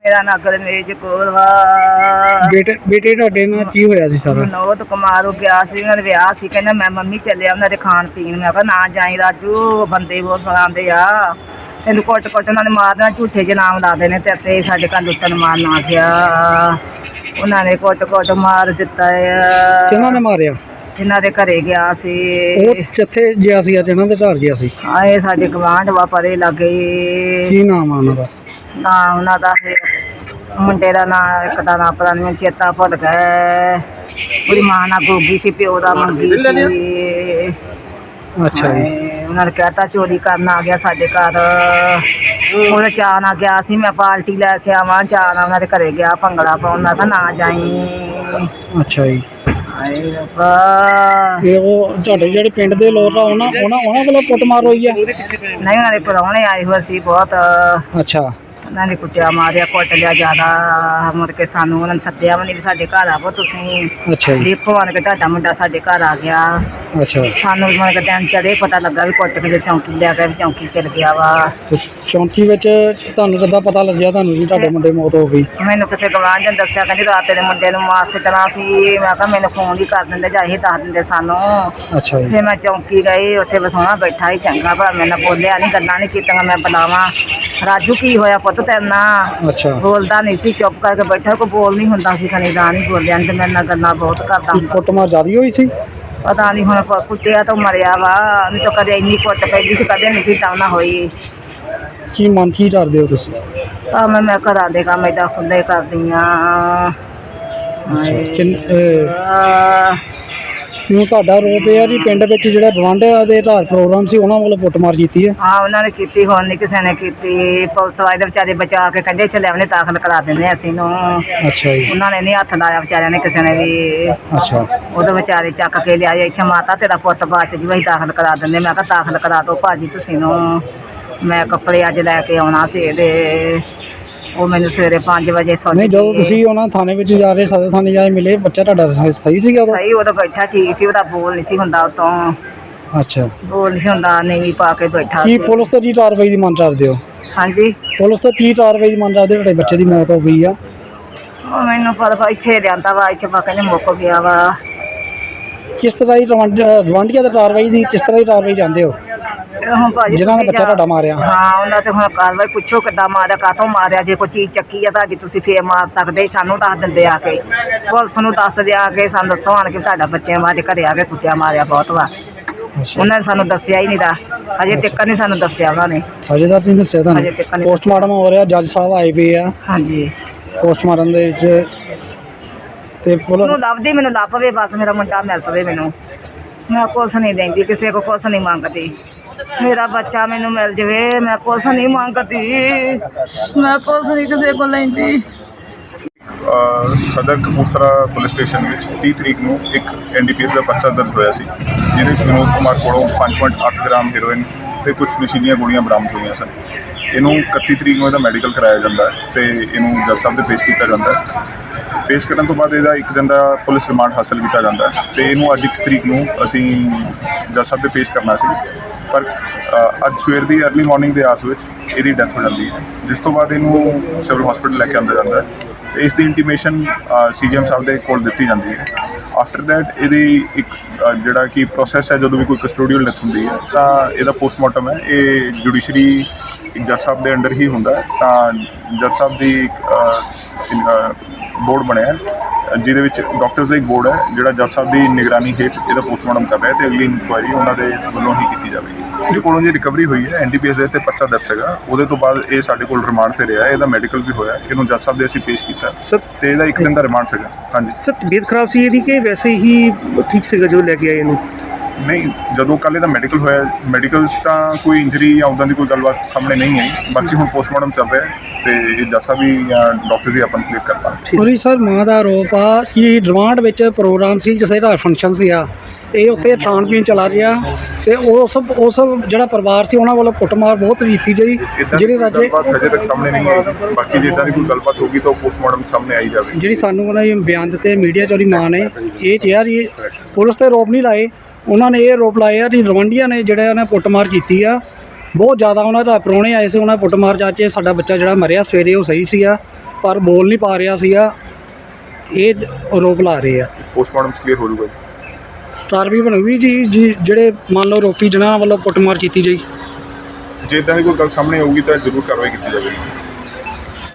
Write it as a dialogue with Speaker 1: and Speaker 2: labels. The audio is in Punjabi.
Speaker 1: ਮੇਰਾ ਨਗਰ ਮੇਜ ਕੋਲ ਵਾ।
Speaker 2: ਬੇਟੇ ਤੁਹਾਡੇ ਨਾਲ ਕੀ ਹੋਇਆ ਸੀ ਸਾਰਾ?
Speaker 1: ਨੌਤ ਕੁਮਾਰ ਹੋ ਗਿਆ ਸੀ, ਉਹਨਾਂ ਦੇ ਵਿਆਹ ਸੀ। ਕਹਿੰਦਾ ਮੈਂ ਮੰਮੀ ਚੱਲਿਆ ਉਹਨਾਂ ਦੇ ਖਾਣ ਪੀਣ। ਮੈਂ ਕਿਹਾ ਨਾ ਜਾਈ ਰਾਜੂ, ਬੰਦੇ ਬਹੁਤ ਸਲਾਉਂਦੇ ਆ, ਤੈਨੂੰ ਕੁੱਟ ਉਹਨਾਂ ਨੇ ਮਾਰਨਾ, ਝੂਠੇ ਜਿਹੇ ਨਾਮ ਲਾਦੇ ਨੇ ਤੇ ਸਾਡੇ ਘਰ ਲੁੱਟਣ ਮਾਰਨ ਆ ਗਿਆ। ਉਹਨਾਂ ਨੇ ਕੁੱਟ ਮਾਰ ਦਿੱਤਾ ਆ।
Speaker 2: ਕਿਹਨਾਂ ਨੇ ਮਾਰਿਆ?
Speaker 1: ਜਿਨ੍ਹਾਂ ਦੇ ਘਰੇ ਗਿਆ ਸੀ।
Speaker 2: ਉਹ ਕਿੱਥੇ ਗਿਆ ਸੀ? ਅੱਜ ਇਹਨਾਂ ਦੇ ਘਰ ਗਿਆ ਸੀ।
Speaker 1: ਆਏ ਸਾਡੇ ਗਵਾਂਢ ਵਾ ਪਰੇ ਲੱਗੇ।
Speaker 2: ਕੀ ਨਾਮ ਆ ਉਹਨਾਂ ਦਾ?
Speaker 1: ਨਾ ਉਹਨਾਂ ਦਾ ਮੁੰਡੇ ਦਾ ਨਾਂ, ਇੱਕ ਦਾ ਨਾਂ ਪਤਾ ਨਹੀਂ ਚੇਤਾ ਭੁੱਲ ਗਿਆ। ਉਹਦੀ ਮਾਂ ਨਾਲ ਗੋਗੀ ਸੀ, ਪਿਓ ਦਾ ਮੰਗੀ ਸੀ।
Speaker 2: ਅੱਛਾ ਜੀ।
Speaker 1: ਉਹਨਾਂ ਨੇ ਕਹਿਤਾ ਚੋਰੀ ਕਰਨ ਆ ਗਿਆ ਸਾਡੇ ਘਰ। ਉਹਨੇ ਚਾਅ ਨਾਲ ਗਿਆ ਸੀ, ਮੈਂ ਪਾਰਟੀ ਲੈ ਕੇ ਆਵਾਂ, ਚਾਅ ਨਾਲ ਉਹਨਾਂ ਦੇ ਘਰੇ ਗਿਆ ਭੰਗੜਾ ਪਾਉਣ। ਮੈਂ ਕਿਹਾ ਨਾ ਜਾਈ।
Speaker 2: ਅੱਛਾ ਜੀ।
Speaker 1: ਹਾਏ ਰੱਬਾ।
Speaker 2: ਤੇ ਉਹ ਤੁਹਾਡੇ ਜਿਹੜੇ ਪਿੰਡ ਦੇ ਲੋਕ ਆ ਉਹਨਾਂ ਵੱਲੋਂ ਕੁੱਟਮਾਰ ਹੋਈ ਆ?
Speaker 1: ਨਹੀਂ, ਉਹਨਾਂ ਦੇ ਪ੍ਰਾਹੁਣੇ ਆਏ ਹੋਏ ਸੀ ਬਹੁਤ।
Speaker 2: ਅੱਛਾ।
Speaker 1: ਉਹਨਾਂ ਨੇ ਕੁੱਟਿਆ ਮਾਰਿਆ, ਕੁੱਟ ਲਿਆ ਜ਼ਿਆਦਾ। ਮੁੜ ਕੇ ਸਾਨੂੰ ਉਹਨਾਂ ਨੇ ਸੱਦਿਆ ਵੀ ਨਹੀਂ ਵੀ ਸਾਡੇ ਘਰ ਆਵੋ ਤੁਸੀਂ,
Speaker 2: ਅੱਛਾ ਜੀ।
Speaker 1: ਦੇਖੋ ਆਣ ਕੇ ਤੁਹਾਡਾ ਮੁੰਡਾ ਸਾਡੇ ਘਰ ਆ ਗਿਆ।
Speaker 2: ਅੱਛਾ।
Speaker 1: ਸਾਨੂੰ ਮੁੜ ਕੇ ਦਿਨ ਚੜੇ ਪਤਾ ਲੱਗਾ ਵੀ ਕੁੱਟ ਕੇ ਚੌਂਕੀ ਲਿਆ ਗਿਆ, ਵੀ ਚੌਂਕੀ ਚਲ ਗਿਆ ਵਾ।
Speaker 2: ਤੇ ਚੌਂਕੀ ਵਿੱਚ ਤੁਹਾਨੂੰ ਕਿੱਦਾਂ ਪਤਾ ਲੱਗਿਆ ਤੁਹਾਨੂੰ ਵੀ ਤੁਹਾਡੇ ਮੁੰਡੇ ਮੌਤ ਹੋ ਗਈ?
Speaker 1: ਮੈਨੂੰ ਕਿਸੇ ਗਵਾਂਢ ਨੇ ਦੱਸਿਆ, ਕਹਿੰਦੀ ਰਾਤ ਤੇਰੇ ਮੁੰਡੇ ਨੂੰ ਮਾਰ ਸਿੱਟਣਾ ਸੀ। ਮੈਂ ਕਿਹਾ ਮੈਨੂੰ ਫੋਨ ਹੀ ਕਰ ਦਿੰਦੇ ਜਾਂ ਇਹ ਦੱਸ ਦਿੰਦੇ ਸਾਨੂੰ।
Speaker 2: ਅੱਛਾ ਜੀ।
Speaker 1: ਫਿਰ ਮੈਂ ਚੌਂਕੀ ਗਈ, ਉੱਥੇ ਵਸਾਉਣਾ ਬੈਠਾ ਹੀ ਚੰਗਾ ਭਲਾ, ਮੇਰੇ ਨਾਲ ਬੋਲਿਆ ਨਹੀਂ, ਗੱਲਾਂ ਨਹੀਂ ਕੀਤੀਆਂ। ਮੈਂ ਬੁਲਾਵਾਂ ਰਾਜੂ ਕੀ ਹੋਇਆ ਪੁੱਤ ਤੇਰੇ ਨਾਲ?
Speaker 2: ਅੱਛਾ।
Speaker 1: ਬੋਲਦਾ ਨਹੀਂ ਸੀ, ਚੁੱਪ ਕਰਕੇ ਬੈਠਾ, ਕੋਈ ਬੋਲ ਨਹੀਂ ਹੁੰਦਾ ਸੀ। ਖਣੀ ਦਾ ਨਹੀਂ ਬੋਲਿਆ, ਨਹੀਂ ਤੇ ਮੇਰੇ ਨਾਲ ਗੱਲਾਂ ਬਹੁਤ ਕਰਦਾ ਹੁੰਦਾ।
Speaker 2: ਕੁੱਟਮਾਰ ਜ਼ਿਆਦਾ ਹੋਈ ਸੀ?
Speaker 1: ਪਤਾ ਨਹੀਂ ਹੁਣ ਕੁੱਟਿਆ ਤਾਂ ਮਰਿਆ ਵਾ, ਨਹੀਂ ਤਾਂ ਕਦੇ ਇੰਨੀ ਕੁੱਟ ਪੈਂਦੀ ਸੀ, ਕਦੇ ਨਹੀਂ ਸੀ ਤਾਂ ਨਾ ਹੋਈ।
Speaker 2: ਕੀ ਮਨ ਕੀ ਕਰਦੇ ਹੋ ਤੁਸੀਂ?
Speaker 1: ਮੈਂ ਘਰਾਂ ਦੇ ਕੰਮ ਏਦਾਂ ਖੁੱਲੇ ਕਰਦੀ ਹਾਂ।
Speaker 2: ਕਿਉਂ ਤੁਹਾਡਾ ਰੋਪ ਇਹ ਆ ਜੀ ਪਿੰਡ ਵਿੱਚ ਜਿਹੜਾ ਗਵਾਂਢੀਆਂ ਦੇ ਘਰ ਪ੍ਰੋਗਰਾਮ ਸੀ ਉਹਨਾਂ ਵੱਲੋਂ ਕੁੱਟਮਾਰ ਕੀਤੀ ਹੈ?
Speaker 1: ਹਾਂ, ਉਹਨਾਂ ਨੇ ਕੀਤੀ, ਹੁਣ ਨਹੀਂ ਕਿਸੇ ਨੇ ਕੀਤੀ। ਪੁਲਿਸ ਵਾਲੇ ਦੇ ਵਿਚਾਰੇ ਬਚਾ ਕੇ ਕਹਿੰਦੇ ਚੱਲੇ ਉਹਨੇ ਦਾਖਲ ਕਰਾ ਦਿੰਦੇ ਅਸੀਂ ਨੂੰ।
Speaker 2: ਅੱਛਾ ਜੀ।
Speaker 1: ਉਹਨਾਂ ਨੇ ਨਹੀਂ ਹੱਥ ਲਾਇਆ ਵਿਚਾਰਿਆਂ ਨੇ, ਕਿਸੇ ਨੇ ਵੀ।
Speaker 2: ਅੱਛਾ।
Speaker 1: ਉਹਦੇ ਵਿਚਾਰੇ ਚੱਕ ਕੇ ਲਿਆਏ ਇੱਥੇ, ਮਾਤਾ ਤੇਰਾ ਪੁੱਤ ਬਾਅਦ 'ਚ ਜੀ ਅਸੀਂ ਦਾਖਲ ਕਰਾ ਦਿੰਦੇ। ਮੈਂ ਕਿਹਾ ਦਾਖਲ ਕਰਾ ਦਿਓ ਭਾਜੀ ਤੁਸੀਂ ਨੂੰ, ਮੈਂ ਕੱਪੜੇ ਅੱਜ ਲੈ ਕੇ ਆਉਣਾ ਸੀ ਇਹਦੇ। ਉਹ ਮੈਨੂੰ ਸਵੇਰੇ 5 ਵਜੇ ਸੁਣ।
Speaker 2: ਨਹੀਂ, ਜਦੋਂ ਤੁਸੀਂ ਉਹਨਾਂ ਥਾਣੇ ਵਿੱਚ ਜਾ ਰਹੇ, ਸਦਰ ਥਾਣੇ ਜਾ ਕੇ ਮਿਲੇ, ਬੱਚਾ ਤੁਹਾਡਾ ਸਹੀ ਸੀਗਾ ਉਦੋਂ?
Speaker 1: ਸਹੀ, ਉਦੋਂ ਬੈਠਾ ਠੀਕ ਸੀ, ਉਹਦਾ ਬੋਲ ਨਹੀਂ ਸੀ ਹੁੰਦਾ, ਉਤੋਂ
Speaker 2: ਅੱਛਾ
Speaker 1: ਬੋਲ ਨਹੀਂ ਸੀ ਹੁੰਦਾ, ਨੀਵੀਂ ਪਾ ਕੇ ਬੈਠਾ
Speaker 2: ਕੀ
Speaker 1: ਸੀ।
Speaker 2: ਪੁਲਿਸ ਤੋਂ ਕੀ ਕਾਰਵਾਈ ਦੀ ਮੰਗ ਕਰਦੇ ਹੋ?
Speaker 1: ਹਾਂਜੀ,
Speaker 2: ਪੁਲਿਸ ਤੋਂ ਕੀ ਕਾਰਵਾਈ ਦੀ ਮੰਗ ਕਰਦੇ ਹੋ? ਤੁਹਾਡੇ ਬੱਚੇ ਦੀ ਮੌਤ ਹੋ ਗਈ ਆ।
Speaker 1: ਉਹ ਮੈਨੂੰ ਪਤਾ ਇੱਥੇ ਲਿਆਂਦਾ ਵਾ, ਇੱਥੇ ਪਾ ਕਹਿੰਦੇ ਮੁੱਕ ਗਿਆ ਵਾ।
Speaker 2: ਕਿਸ ਤਰ੍ਹਾਂ ਦੀ ਰਵਾਂਡੀਆਂ ਦੀ ਕਾਰਵਾਈ ਦੀ ਕਿਸ ਤਰ੍ਹਾਂ ਦੀ ਕਾਰਵਾਈ ਚਾਹੁੰਦੇ ਹੋ?
Speaker 1: ਹੁਣ ਭਾਜੀ
Speaker 2: ਜਿਨ੍ਹਾਂ ਨੇ ਬੱਚਾ ਤੁਹਾਡਾ ਮਾਰਿਆ?
Speaker 1: ਹਾਂ, ਉਹਨਾਂ ਤੇ ਹੁਣ ਕਾਰਵਾਈ ਪੁੱਛੋ ਕਿੱਦਾਂ ਮਾਰਿਆ, ਕਾਹਤੋਂ ਮਾਰਿਆ। ਜੇ ਕੋਈ ਚੀਜ਼ ਚੱਕੀ ਆ ਤੁਹਾਡੀ ਤੁਸੀਂ ਫੇਰ ਮਾਰ ਸਕਦੇ, ਸਾਨੂੰ ਦੱਸ ਦਿੰਦੇ ਆ ਕੇ, ਪੁਲਿਸ ਨੂੰ ਦੱਸ ਦਿਆ ਕੇ ਸਾਨੂੰ ਦੱਸੋ ਆਣ ਕੇ ਤੁਹਾਡਾ ਬੱਚਿਆਂ ਬਾਅਦ ਘਰੇ ਆ ਕੇ ਕੁੱਟਿਆ ਮਾਰਿਆ ਬਹੁਤ ਵਾ। ਉਹਨਾਂ ਨੇ ਸਾਨੂੰ ਦੱਸਿਆ ਹੀ ਨਹੀਂ ਦਾ, ਹਜੇ ਤੱਕ ਨਹੀਂ ਸਾਨੂੰ ਦੱਸਿਆ ਉਹਨਾਂ ਨੇ।
Speaker 2: ਹਜੇ ਤੱਕ ਨਹੀਂ ਦੱਸਿਆ
Speaker 1: ਹਜੇ
Speaker 2: ਤੁਹਾਨੂੰ?
Speaker 1: ਤੱਕ ਨਹੀਂ।
Speaker 2: ਪੋਸਟਮਾਰਟਮ ਹੋ ਰਿਹਾ, ਜੱਜ ਸਾਹਿਬ ਆਏ ਪਏ ਆ।
Speaker 1: ਹਾਂਜੀ।
Speaker 2: ਪੋਸਟਮਾਰਟਮ ਦੇ ਵਿੱਚ ਤੇ
Speaker 1: ਮੈਨੂੰ ਲੱਭਦੀ, ਮੈਨੂੰ ਲੱਭ ਪਵੇ ਬਸ, ਮੇਰਾ ਮੁੰਡਾ ਮਿਲ ਪਵੇ ਮੈਨੂੰ। ਮੈਂ ਕੁਛ ਨਹੀਂ ਲੈਂਦੀ, ਕਿਸੇ ਕੋ ਕੁਛ ਨਹੀਂ ਮੰਗਦੀ। ਮੇਰਾ ਬੱਚਾ ਮੈਨੂੰ ਮਿਲ ਜਾਵੇ, ਮੈਂ ਕੁਛ ਨਹੀਂ ਮੰਗਦੀ, ਮੈਂ ਕੁਛ ਨਹੀਂ ਕਿਸੇ ਕੋਲ ਲੈਂਦੀ।
Speaker 3: ਸਦਰ ਕਪੂਰਥਲਾ ਪੁਲਿਸ ਸਟੇਸ਼ਨ ਵਿੱਚ 30 ਤਰੀਕ ਨੂੰ ਇੱਕ NDPS ਦਾ ਪਰਚਾ ਦਰਜ ਹੋਇਆ ਸੀ, ਜਿਹਦੇ ਵਿੱਚ ਵਿਨੋਦ ਕੁਮਾਰ ਕੋਲੋਂ 5.8 ਗ੍ਰਾਮ ਹੈਰੋਇਨ ਅਤੇ ਕੁਝ ਨਸ਼ੀਲੀਆਂ ਗੋਲੀਆਂ ਬਰਾਮਦ ਹੋਈਆਂ ਸਨ। ਇਹਨੂੰ 31 ਤਰੀਕ ਨੂੰ ਇਹਦਾ ਮੈਡੀਕਲ ਕਰਾਇਆ ਜਾਂਦਾ ਹੈ ਅਤੇ ਇਹਨੂੰ ਜੱਜ ਸਾਹਿਬ ਦੇ ਪੇਸ਼ ਕੀਤਾ ਜਾਂਦਾ ਹੈ। ਪੇਸ਼ ਕਰਨ ਤੋਂ ਬਾਅਦ ਇਹਦਾ 1 ਦਿਨ ਦਾ ਪੁਲਿਸ ਰਿਮਾਂਡ ਹਾਸਲ ਕੀਤਾ ਜਾਂਦਾ ਹੈ ਅਤੇ ਇਹਨੂੰ ਅੱਜ 1 ਤਰੀਕ ਨੂੰ ਅਸੀਂ ਜੱਜ ਸਾਹਿਬ ਦੇ ਪੇਸ਼ ਕਰਨਾ ਸੀ, ਪਰ ਅੱਜ ਸਵੇਰ ਦੀ ਅਰਲੀ ਮਾਰਨਿੰਗ ਦੇ ਆਸ ਵਿੱਚ ਇਹਦੀ ਡੈਥ ਹੋ ਜਾਂਦੀ ਹੈ, ਜਿਸ ਤੋਂ ਬਾਅਦ ਇਹਨੂੰ ਸਿਵਲ ਹਸਪੀਟਲ ਲੈ ਕੇ ਆਉਂਦਾ ਜਾਂਦਾ ਹੈ ਅਤੇ ਇਸ ਦੀ ਇੰਟੀਮੇਸ਼ਨ CGM ਸਾਹਿਬ ਦੇ ਕੋਲ ਦਿੱਤੀ ਜਾਂਦੀ ਹੈ। ਆਫਟਰ ਦੈਟ ਇਹਦੀ ਇੱਕ ਜਿਹੜਾ ਕਿ ਪ੍ਰੋਸੈਸ ਹੈ, ਜਦੋਂ ਵੀ ਕੋਈ ਕਸਟੋਡੀਅਲ ਡੈਥ ਹੁੰਦੀ ਹੈ ਤਾਂ ਇਹਦਾ ਪੋਸਟਮਾਰਟਮ ਹੈ, ਇਹ ਜੁਡੀਸ਼ਰੀ ਜੱਜ ਸਾਹਿਬ ਦੇ ਅੰਡਰ ਹੀ ਹੁੰਦਾ ਹੈ। ਤਾਂ ਜੱਜ ਸਾਹਿਬ ਦੀ ਇੱਕ ਬੋਰਡ ਬਣਿਆ, ਜਿਹਦੇ ਵਿੱਚ ਡਾਕਟਰਸ ਦਾ ਇੱਕ ਬੋਰਡ ਹੈ ਜਿਹੜਾ ਜੱਜ ਸਾਹਿਬ ਦੀ ਨਿਗਰਾਨੀ ਹੇਠ ਇਹਦਾ ਪੋਸਟਮਾਰਟਮ ਕਰ ਰਿਹਾ, ਅਤੇ ਅਗਲੀ ਇਨਕੁਆਇਰੀ ਉਹਨਾਂ ਦੇ ਵੱਲੋਂ ਹੀ ਕੀਤੀ ਜਾਵੇਗੀ। ਇਹਦੇ ਕੋਲੋਂ ਜੀ ਰਿਕਵਰੀ ਹੋਈ ਹੈ, NDPS ਦੇ ਉੱਤੇ ਪਰਚਾ ਦਰਜ ਹੈਗਾ। ਉਹਦੇ ਤੋਂ ਬਾਅਦ ਇਹ ਸਾਡੇ ਕੋਲ ਰਿਮਾਂਡ 'ਤੇ ਰਿਹਾ, ਇਹਦਾ ਮੈਡੀਕਲ ਵੀ ਹੋਇਆ, ਇਹਨੂੰ ਜੱਜ ਸਾਹਿਬ ਦੇ ਅਸੀਂ ਪੇਸ਼ ਕੀਤਾ
Speaker 4: ਸਰ,
Speaker 3: ਅਤੇ ਇਹਦਾ 1 ਦਿਨ ਦਾ ਰਿਮਾਂਡ ਸੀਗਾ। ਹਾਂਜੀ
Speaker 4: ਸਰ, ਤਬੀਅਤ ਖਰਾਬ ਸੀ ਇਹਦੀ ਕਿ ਵੈਸੇ ਹੀ ਠੀਕ ਸੀਗਾ ਜੋ ਲੈ ਕੇ ਆਏ ਇਹਨੂੰ?
Speaker 3: ਨਹੀਂ, ਜਦੋਂ ਕੱਲ੍ਹ ਇਹਦਾ ਮੈਡੀਕਲ ਹੋਇਆ, ਮੈਡੀਕਲ 'ਚ ਤਾਂ ਕੋਈ ਇੰਜਰੀ ਜਾਂ ਉੱਦਾਂ ਦੀ ਕੋਈ ਗੱਲਬਾਤ ਸਾਹਮਣੇ ਨਹੀਂ ਆਈ। ਬਾਕੀ ਹੁਣ ਪੋਸਟਮਾਰਟਮ ਚੱਲ ਰਿਹਾ ਅਤੇ ਇਹ ਜੱਜ ਸਾਹਿਬ ਵੀ ਜਾਂ ਡਾਕਟਰ ਵੀ ਆਪਾਂ ਕਲੀਅਰ ਕਰ ਪਾਉਣਗੇ।
Speaker 2: ਉਹਦੀ ਸਰ ਮਾਂ ਦਾ ਆਰੋਪ ਆ ਕਿ ਰਿਮਾਂਡ ਵਿੱਚ ਪ੍ਰੋਗਰਾਮ ਸੀ, ਜਿਸ ਦਾ ਫੰਕਸ਼ਨ ਸੀ ਆ, ਇਹ ਉੱਥੇ ਖਾਣ ਪੀਣ ਚਲਾ ਰਿਹਾ ਅਤੇ ਉਸ ਜਿਹੜਾ ਪਰਿਵਾਰ ਸੀ ਉਹਨਾਂ ਵੱਲੋਂ ਕੁੱਟਮਾਰ ਬਹੁਤ ਕੀਤੀ ਗਈ, ਜਿਹੜੀ
Speaker 3: ਗੱਲਬਾਤ ਹਜੇ ਤੱਕ ਸਾਹਮਣੇ ਨਹੀਂ ਆਈ। ਬਾਕੀ ਜੇ ਇੱਦਾਂ ਦੀ ਕੋਈ ਗੱਲਬਾਤ ਹੋਗੀ ਤਾਂ ਪੋਸਟਮਾਰਟਮ ਸਾਹਮਣੇ ਆਈ ਜਾਵੇ।
Speaker 2: ਜਿਹੜੀ ਸਾਨੂੰ ਉਹਨਾਂ ਨੇ ਬਿਆਨ ਦਿੱਤੇ ਮੀਡੀਆ 'ਚ, ਉਹਦੀ ਮਾਂ ਨੇ ਇਹ ਕਿਹਾ ਜੀ ਪੁਲਿਸ 'ਤੇ ਆਰੋਪ ਨਹੀਂ ਲਾਏ, ਉਹਨਾਂ ਨੇ ਇਹ ਆਰੋਪ ਲਾਏ ਆ ਕਿ ਰਵੰਡੀਆਂ ਨੇ ਜਿਹੜਾ ਉਹਨੇ ਕੁੱਟਮਾਰ ਕੀਤੀ ਆ ਬਹੁਤ ਜ਼ਿਆਦਾ। ਉਹਨਾਂ ਦਾ ਪ੍ਰਾਹੁਣੇ ਆਏ ਸੀ, ਉਹਨਾਂ ਕੁੱਟਮਾਰ ਜਾ ਕੇ ਸਾਡਾ ਬੱਚਾ ਜਿਹੜਾ ਮਰਿਆ ਸਵੇਰੇ ਉਹ ਸਹੀ ਸੀਗਾ, ਪਰ ਬੋਲ ਨਹੀਂ ਪਾ ਰਿਹਾ ਸੀਗਾ, ਇਹ ਆਰੋਪ ਲਾ ਰਹੇ ਆ।
Speaker 3: ਪੋਸਟਮਾਰਟਮ 'ਚ ਕਲੀਅਰ ਹੋ ਜਾਊਗਾ
Speaker 2: ਕਾਰਵਾਈ ਬਣੂਗੀ ਜੀ ਜਿਹੜੇ ਮੰਨ ਲਓ ਰੋਪੀ ਜਿਹਨਾਂ ਵੱਲੋਂ ਕੁੱਟਮਾਰ ਕੀਤੀ ਗਈ।
Speaker 3: ਜੇ ਇੱਦਾਂ ਦੀ ਕੋਈ ਗੱਲ ਸਾਹਮਣੇ ਆਊਗੀ ਤਾਂ ਜ਼ਰੂਰ ਕਾਰਵਾਈ ਕੀਤੀ ਜਾਵੇਗੀ।